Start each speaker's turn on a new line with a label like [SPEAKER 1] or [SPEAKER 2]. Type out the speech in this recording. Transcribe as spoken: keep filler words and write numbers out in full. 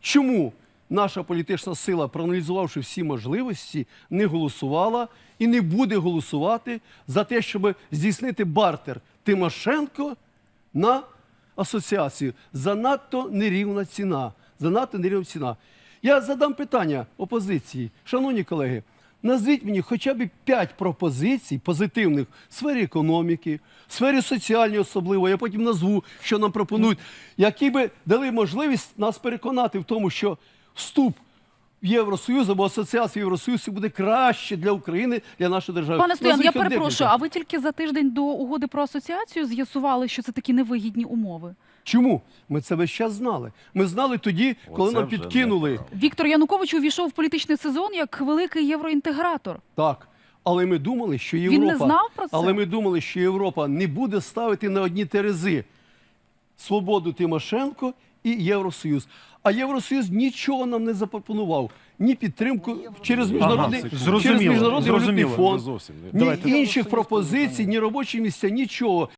[SPEAKER 1] чому наша політична сила, проаналізувавши всі можливості, не голосувала і не буде голосувати за те, щоб здійснити бартер Тимошенко на асоціацію. Занадто нерівна ціна. Занадто нерівна ціна. Я задам питання опозиції. Шановні колеги, назвіть мені хоча б п'ять пропозицій позитивних в сфері економіки, в сфері соціальної особливо, я потім назву, що нам пропонують, які би дали можливість нас переконати в тому, що вступ в Євросоюз або асоціація Євросоюзу буде краще для України, для нашої держави.
[SPEAKER 2] Пане Стоян, я
[SPEAKER 1] Назвіть хоч
[SPEAKER 2] перепрошую,
[SPEAKER 1] декілька.
[SPEAKER 2] а ви тільки за тиждень до угоди про асоціацію з'ясували, що це такі невигідні умови?
[SPEAKER 1] Чому? Ми це весь час знали. Ми знали тоді, коли
[SPEAKER 3] Оце
[SPEAKER 1] нам
[SPEAKER 3] вже
[SPEAKER 1] підкинули.
[SPEAKER 3] неправда.
[SPEAKER 2] Віктор Янукович увійшов в політичний сезон як великий євроінтегратор.
[SPEAKER 1] Так. Але ми думали, що
[SPEAKER 2] Він
[SPEAKER 1] Європа...
[SPEAKER 2] не знав про це?
[SPEAKER 1] Але ми думали, що Європа не буде ставити на одні терези свободу Тимошенко і Євросоюз. А Євросоюз нічого нам не запропонував. Ні підтримку через міжнародний,
[SPEAKER 3] Ага,
[SPEAKER 1] через
[SPEAKER 4] зрозуміло,
[SPEAKER 1] міжнародний валютний
[SPEAKER 4] зрозуміло.
[SPEAKER 1] фонд,
[SPEAKER 3] Зовсім.
[SPEAKER 1] ні
[SPEAKER 4] Давайте.
[SPEAKER 1] інших пропозицій, ні робочі місця, нічого.